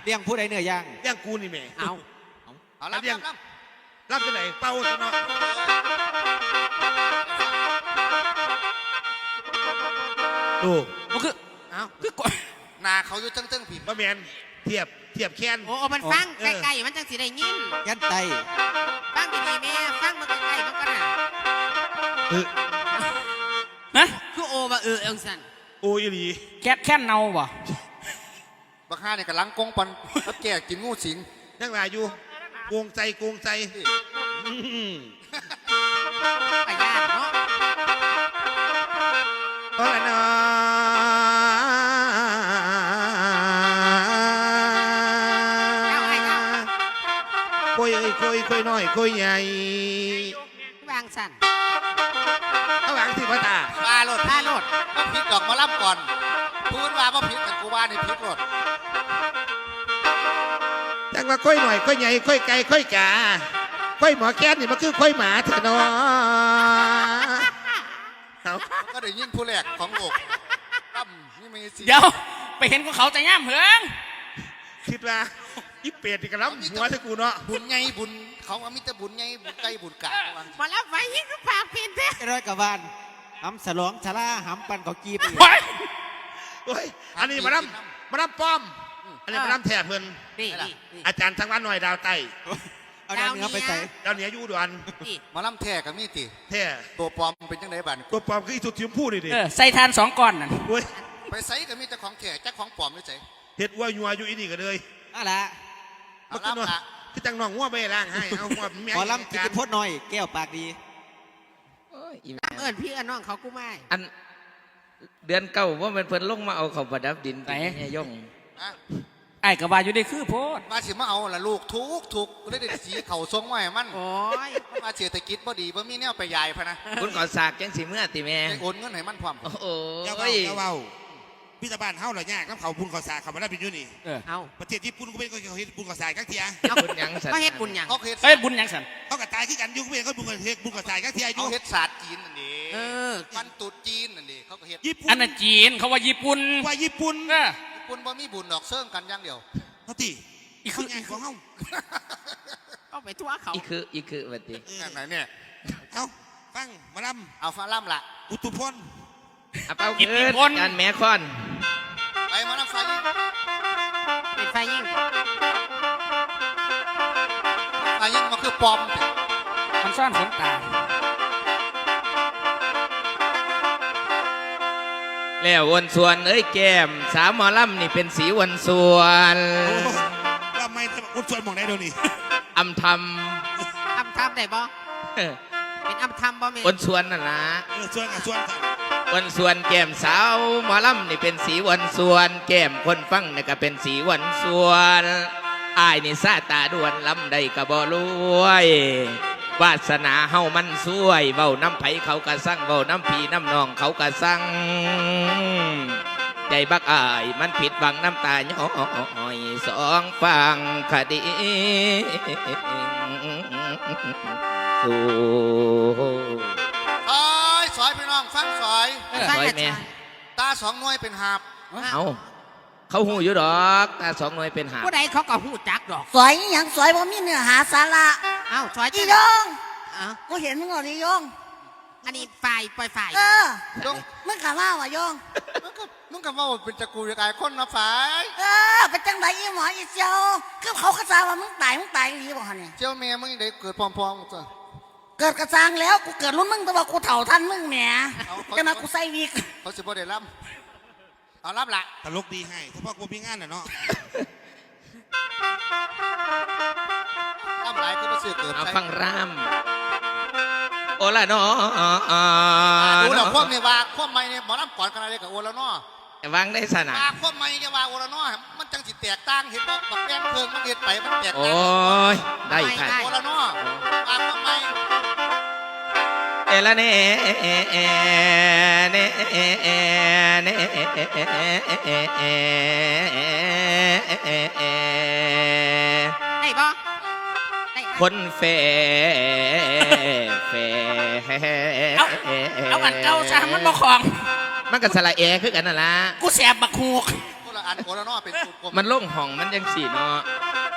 ลี้ยงผู้ใดเนื้อย่างเลี้ยงกูนี่แม่เอารับเลี้ยงรับจะไหนเป่าซะเนาะดูมันคือเอาคือกดนาเขาอยู่ตึ้งผิดบะแมนเทียบแค้นโอ้มันฟังใกล้ๆมันจังสิได้ยินยันไตฟังดีๆแม่ฟังมันใกล้ๆมันก็น่ะฮะคือโอว่าเองสันโอ้ยหลีแค่เนาบ่บักฮาเนี่ยกำลังกงปันรับแก่กินงูสิงนั่งลายอยู่โกงใจประหยัดเนาะเพราะอะไรนะคุยน้อยคุยใหญ่วางสันข้างหลังสิพ่อตาพาโลดก็ผิดดอกมาล่ำก่อนพูดว่าก็ผิดกันกูว่าในผิดโลดจังว่าคุยหน่อยคุยใหญ่คุยไกลคุยกาคุยหมอแก้นนี่มันคือคุยหมาเถอะเนาะก็ได้ยินผู้แรกของโลกตั้มนี่มีสิเดี๋ยวไปเห็นของเขาจะย่ำเหิงคิดว่าอีเป็ดนี่กระลำหัวเถอะกูเนาะบุญไงบุญเขาก็มีแต่บุญไงบุญไก่บุญกะมาแล้วไฟยิ่งก็ปากเปลี่ยนเด้ร้อยกว่าบ้านหำสลองชะล่าหำปันเขากีบอีกโอ้ยอันนี้มาดำป้อมอันนี้มาดำแถบเพิ่นอาจารย์ทั้งวันหน่อยดาวไตเอาดาวเหนือไปใส่ดาวเหนืออยู่ด่วนมาล่ำแท้กับมีติแท้ตัวปลอมเป็นจังไดบันตัวปลอมคืออีสุดทิมพูดดิใส่ทาน2ก้อนนั่นไปใส่กับมีแต่ของแท้จักของปลอมไม่ใช่เห็ดวัวยัวอยู่อีนี่ก็เลยอะไรเอาล่ำละคือจังน้องงัวไปล้างให้เอางัวแม่ขอล้ำกินพดหน่อยแก้วปากดีพี่น้องเขากูไม่อันเดือนเก้าว่ามันเพิ่นลงมาเอาเขาประดับดินไปย่องไอ้กระบาอยู่ได้คือโพดมาสิมาเอาละลูกทุกเลยได้สีเข่าทรงไว้มันโอ้ยมาเศรษฐกิจพอดีบ่มีแนวไปยายพะนะคุณก่อสากจังสิเมื่อติแม่โอนเงินให้มันพร้อมโอ้ยเจ้าเบาพี่ตาบ้านเฮาเหรอยากน้ำเขาบุญก่อสากเขามาได้เป็นยูนี่เอาประเทศญี่ปุ่นก็เป็นเขาเฮ็ดบุญก่อสากกักเทียบุญยังสันเขาเฮ็ดบุญยังเขาเฮ็ดบุญยังสันเขากระจายขึ้นกันยุ่งเป็นเขาบุญก่อสากกักเทียยุ่งเขาเฮ็ดศาสตร์จีนนั่นเองมันตุดจีนนั่นเองเขาก็เฮ็ดญี่ปุ่นอันนั้นจีนเขาว่าญี่ปุ่นญี่ปุ่นบ่มีบุญดอกเซิ่งกันอย่างเดียวเขาตีอีกคือไงของเฮาเอาไปทั่วเขาอีคือวันที่ไหนเนี่ยเอาฟังมาลำเอาฟังลำละอุตุพลเอาเป้าเกิดการแม่คอนไปมาลำไฟยิ่งปิดไฟยิ่งมันคือปอมมันซ่อนขนตาแล้ววนส่วนเอ้ยแก้มสาวหมอลำนี่เป็นสีวนส่วนทำไมวนส่วนมองได้ดูนี่อำทำได้บ่เป็นอำทำบ่มีวนส่วนน่ะนะส่วนกับส่วนวนส่วนแก้มสาวหมอลำนี่เป็นสีวนส่วนแก้มคนฟังนี่ก็เป็นสีวนส่วนอายนี่ซาตาดวนลำได้ก็บ่รวยวาสนาเฮามันสวยเว้าน้ำไผเขากะสั่งเว้าน้ำพีน้ำนองเขากะสั่งใจบักอายมันผิดหวังน้ำตาย้อยสองฟังคดีสู่สอยพี่น้องฟังสอยแม่ตา2 หน่วยเป็นหาบเอาเขาหูอยู่ดอกตา2 หน่วยเป็นหาบผู้ใดเขาก็หูจักดอกสอยอย่างสอยบ่มีเนื้อหาสาระเอ้าสอยอียองกูเห็นมึงอ่ะอียองอันนี้ฝ่ายปล่อยฝ่ายมึงกะว่าว่ะยองมึงกะว่าเป็นตะกูกายคนนะฝ่ายเป็นจังไดอีหมออีเจ้าคือเขากระซาว่ามึงตายหรือเปล่าเนี่ยเจ้าแม่มึงได้เกิดพร้อมๆจ้ะเกิดกระซังแล้วกูเกิดรุ่นมึงแต่ว่ากูเฒ่าทันมึงแหมจะมากูใส่วิกเขาสิบ่ได้รับเอารับละตลกดีให้เฉพาะกูมีงานน่ะเนาะรับหลายคือมาซื้อเกิดเอาฟังรามโอละเนาะดูแล้วความเนี่ยว่าความไม่เนี่ยหมอลำก่อนกันอะไรกับโอละเนาะวางได้สนะความไม่จะว่าโอละเนาะมันจังสิแตกต่างเห็นบ่บักแป้งเพิงมันเห็ดไปมันแตกต่างโอ้ยได้ค่ะโอละเนาะความไม่เอละเน่เน่เน่ได้บ่คนเฟเอาอันเก่าซะมันบ่ของมันกับสละเอคือกันน่ะล่ะกูแสบบักฮูกคนละอ่านโกนนอเป็นสูตรกลมมันลงห้องมันยังสีเนาะ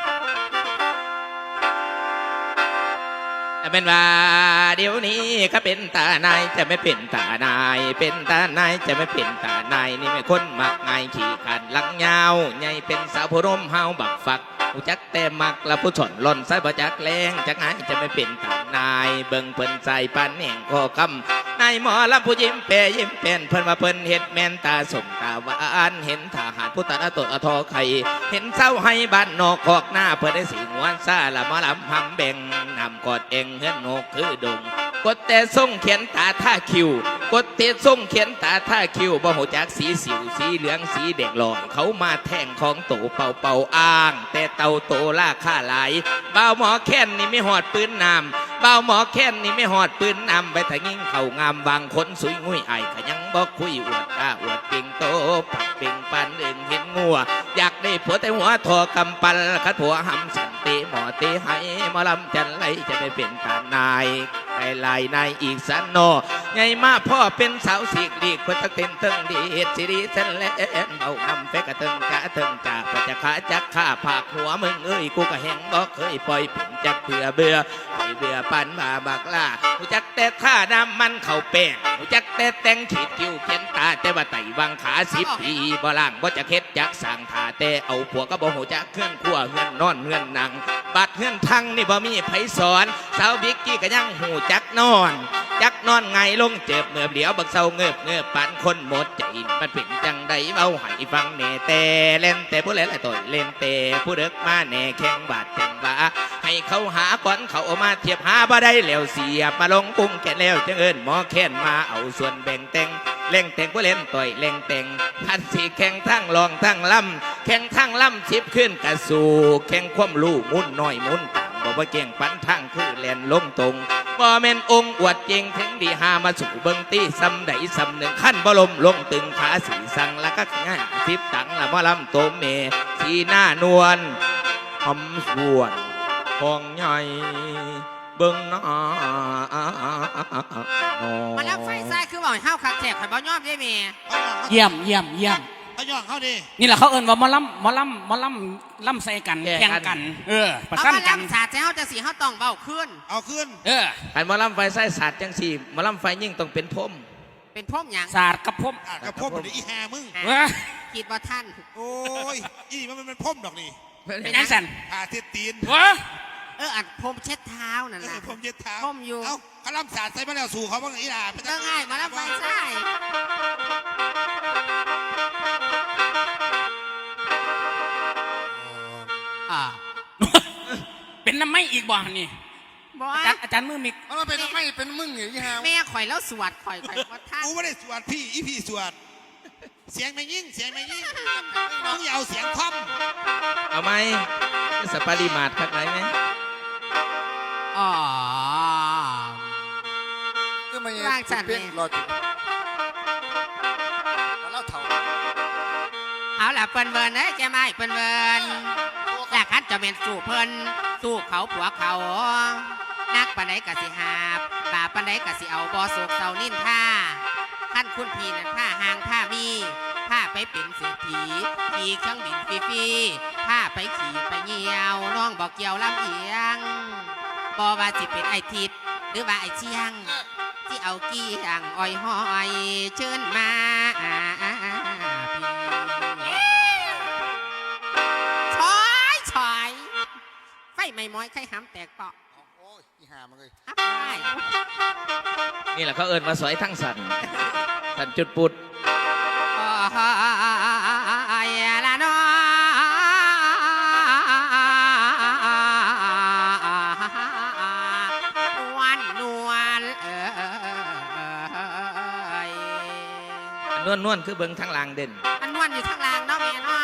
เป็นว่าเดี๋ยวนี้ก็เป็นตานายจะไม่เป็นตานายเป็นตานายจะไม่เป็นตานายนี่ไม่คนมักง่ายขี่ขันหลังยาวใหญ่เป็นสาวผู้ร่มเฮาบักฝักผู้จักแต่มักละผู้ชนหล่นใส่บ่จักแรงจักง่ายจะไม่เป็นตานายเบิ่งเพิ่นใส่ปันแห่งคอคำนายหมอลำผู้ยิ้มแปรยิ้มเป็นเพิ่นว่าเพิ่นเฮ็ดแม่นตาสมตาหวานเห็นทหารผู้ตาตดอทอไข่เห็นเศร้าให้บ้านนอกคอกหน้าเพิ่นได้สีงวนซาละหมอลำหำแบ่งนำกอดเองเฮือนนกคือดงกดแต่ส่งเขียนตาท่าคิวกดเตะส่งเขียนตาท่าคิวบ่หูจักสีสิวสีเหลืองสีแดงลอยเขามาแท่งของโตเป่าเป่าอ้างแต่เต่าโตล่าค่าหลายบ่าวหมอแค้นนี่ไม่หอดปืนนำบ่าวหมอแค้นนี่ไม่หอดปืนนำไปถ้ายิ่งเข่างามบางคนสุยงุยไอ้ขยังบอกคุยอวดก้าอวดปิงโตปักปิงปันเอื่นเห็นงัวอยากได้ผัวแต่หัวทอกำปันขัดผัวหำสันติหมอตีให้หมอลำจันไรจะได้เป็นตานายไก่ลายนายอีกสันโนไงมาพ่อเป็นสาวสีกลีกคนตะเต็นเติงดีเฮ็ดสิริเส้นและเอานำเฟกกะเติงกะเติงจากประจักขาจักข้าผากหัวมึงเอ้ยกูก็แหงบอกเคยปล่อยผิงจักเบื่อเบื่อให้เบื่อปันมาบักล่าหูจักแต่ท่าน้ำมันเข่าแป้งหูจักแต่แต่งขีดคิ้วเขียนตาแต่ว่าไต่วางขา10 ปีบ่ล่างบ่จะเค็ดจักสั่งท่าแต่เอาผัวก็บ่หูจักเคลื่อนขั้วเงื่อนนอนเงื่อนนั่งบัดเงื่อนทั้งนี่บ่มีไผสอนสาวบิ๊กกี้ก็ยังหูจักนอนจักนอนไงลงเจ็บเงือบเดียวบักเศร้าเงือบปันคนหมดใจมันเป็นจังใดเว้าให้ฟังแน่แต่เล่นแต่ผู้เล่นละต่อยเล่นแต่ผู้เด็กมาแน่แข่งบาดจังว่าให้เขาหาก่อนเขาเอามาเทียบหาบ่ได้แล้วเสียบมาลงกุ้งแก่แล้วจังเอิญหมอแค้นมาเอาส่วนแบ่งแต่งเล่งแต่งผู้เล่นต่อยเล่งแต่งพันสีแข่งทั้งรองทั้งลำแข่งทั้งลำชิบขึ้นกระสู่แข่งความลู่มุนน้อยมุนต่างบอกว่าเก่งปันทั้งคือแลนลงตรงบ่แม่นองค์อวดเจงถึงดีหามาสู่เบิงตีซ้ำใดซ้ำหนึ่งขั้นบ่ลมลงตึงขาสีสังแล้วก็ง่าย10 ตังละมอลำโตเมสีหน้านวลหอมสวนทองใหญ่เบิ่งหน้ามาแล้วไฟใส่คือบอกให้ห้าวคักแทกข่อยบ่ยอมได้แม่เยี่ยมเยี่ยมเยี่ยมเขาย่องเขาดินี่แหละเขาเอิ้นว่าหมอลำใส่กันแข่งกันประเอาชันมากันลำสาดใจเฮาจะสิเฮาต้องเบ้าขึ้นเอาขึ้นอันหมอลำไฟไส้ศาสตร์จังสี่หมอลำไฟยิ่งต้องเป็นพรมเป็นพรมหยังศาสตร์กับพมกระพมเหมือนอีแฮมึงคิดว่าท่านโอ้ยอีนี่มันเป็นพมดอกนี่เป็นยังสันผ่าเทียตีนอัดพรมเช็ดเท้านั่นล่ะผมเย็ดเท้าพรมอยู่เอ้าขลังสาดใส่มาแล้วสู่เขาบ้างอีหล่าเรื่องง่ายมาแล้วไฟใส่เป็นน้ำไม่อีกบ่นี่บ่อาจารย์มือมิกมันเป็นไม่เป็นมึงเหรอยี่ห้าแม่ข่อยแล้วสวดข่อยว่าท่านกูไม่ได้สวดพี่อีพี่สวดเสียงไม่ยิ่งเสียงไม่ยิ่งมึงอย่าเอาเสียงท่อมเอาไหมสปาริมาดคักไหนไหมอ๋อก็ไม่ร่างสัตว์เป็นรอจุดแล้วเท่าเอาล่ะเปิ้นเวินเอ้ยแกไม่เปิ้นเวินอยากคัดจะเป็นสู้เพิ่นสู้เขาผัวเขานักปานใดก็สิหาบบาปปานใดก็สิเอาบ่โศกเศร้านินท่าท่านคุณพี่นั่นผ้าหางผ้ามีผ้าไปเป็นเศรษฐีขี่เครื่องบินฟรีๆผ้าไปขี่ไปเหี่ยวน้องบอกเกี่ยวลำเอียงบ่ว่าสิเป็นไอทิดหรือว่าไอเชียงที่เอากี้อ่างอ้อยหอยเชิญมาชอยไฟไม่ม้อยไข่ห้ำแตกเปาะโอ้ยยี่ห้ามันเลยอับไปนี่แหละเขาเอิญมาสอยทั้งสันสันจุดปุดไอ้ละน้อวันนวลนวลคือเบิ้งทั้งลางเด่นมันนวลอยู่ข้างล่างเนาะแม่เนาะ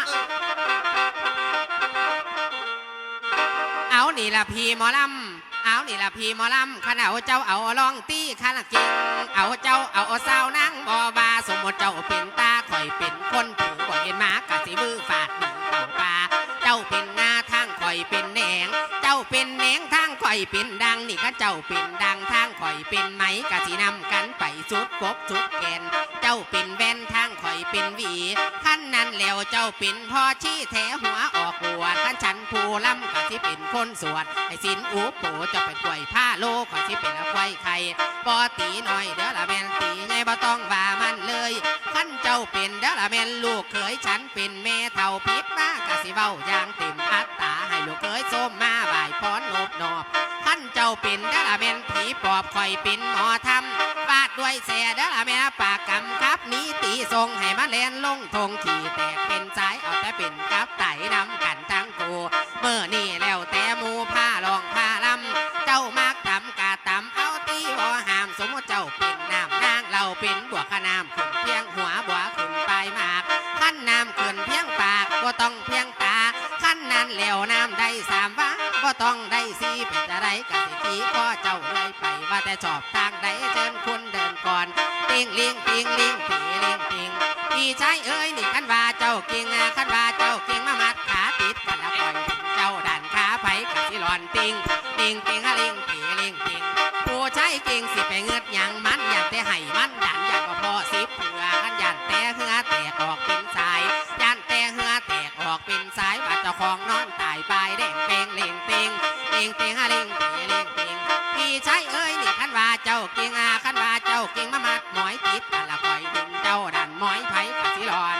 เอานี่ละพี่หมอลำเอานี่ละพี่หมอลำขณะเจ้าเอาลองตีขาละเก่งเอาเจ้าเอาสาวนั่งบ่บาสมมติเจ้าเป็นตาข่อยเป็นคนถูกบ่เห็นหมากะสิมือฝาดดึงเต่าปลาเจ้าเป็นหน้าทางข่อยเป็นแหนงเจ้าเป็นแหนงทางข่อยเป็นดังนี่ก็เจ้าเป็นดังทางข่อยเป็นไหมกะสินำกันไปสุดกบสุดแกนเจ้าจ้าเป็นแว่นทางข่อยเป็นหวีขั้นนั้นแล้วเจ้าเป็นพ่อชี้แถหัวออกบวชขั้นฉันผู้ล้ำก็ที่เป็นคนสวดไอ้สินอุปโภจะเป็นกล้วยผ้าโลก็ที่เป็นกล้วยไข่ปอตีหน่อยเด้อละแม่นตีไงบ่ต้องว่ามันเลยขั้นเจ้าเป็นเด้อละแม่นลูกเขยฉันเป็นแม่เท่าพิษมากะสิเว้าอย่างเต็มอัตตาให้ลูกเขยส้มมาบ่ายพรนบนอบขั้นเจ้าเป็นเด้อละแม่นผีปอบข่อยเป็นหมอทำฟาดด้วยแส่เด้อละแม่ปากกำครับนี้ตีทรงให้มาแลนลงทงขี่แตกเป็นสายเอาแต่เป็นกับไตนำกันทั้งกูเมื่อนี่แล้วแต่หมูผ้าลองผ้าลำเจ้ามักทำกาตำเอาตีบ่หามสมมติเจ้าเป็นน้ำนางเราเป็นบวกขนามขึ้นเพียงหัวบัวขึ้นปลายหมากขั้นน้ำขึ้นเพียงปากบ่ต้องเพียงตาขั้นนั้นแล้วน้ำได้สามว่าบ่ต้องได้สี่เป็นจะไรกะสิทีก็เจ้าเลยไปว่าแต่ชอบทางใดเชิญคุณเดินก่อนติงลิงติงลิงตีลิงติงพี่ชายเอ้ยนี่คันว่าเจ้าเก่งคันว่าเจ้าเก่งมามัดขาติดกันละก่อนเจ้าดันขาไผกะสิหลอนติงติงติงฮะลิงตีลิงติงผู้ชายเก่งสิไปเงือดหยังมันอยากแต่ให้มันดันอยากพอสิบเผื่อขันยันแต่เหือแตกออกเป็นสายยันแต่เหือแตกออกเป็นสายว่าเจ้าของนอนตายปลายแดงเปงเล่งเปงเล่งเปงฮะเล่งเปงเล่งเปงพี่ชายเอ้ยนี่คันว่าเจ้าเก่งคันว่าเจ้าเก่งมามัดหมอยติดกันละคอยดึงเจ้าดันหมอยไผกะสิหลอน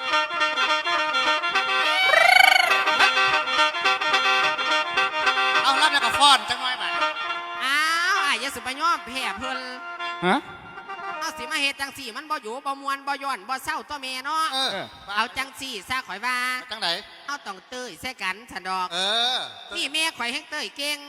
เอารับแล้วก็ฟ้อนจังน้อยบัดอ้าวอ้ายอย่าสิไปยอมแพ้เพิ่นฮะเอาสิมาเฮ็ดจังสี่มันบ่อยู่บ่มวนบ่ย้อนบ่เศร้าตัวแม่เนาะ เอาจังสี่ซะข่อยว่าจังไหนเอาต้องเต้ยใส่กันสันดอกเออนี่แม่ข่อยแฮงเต้ยเก่ง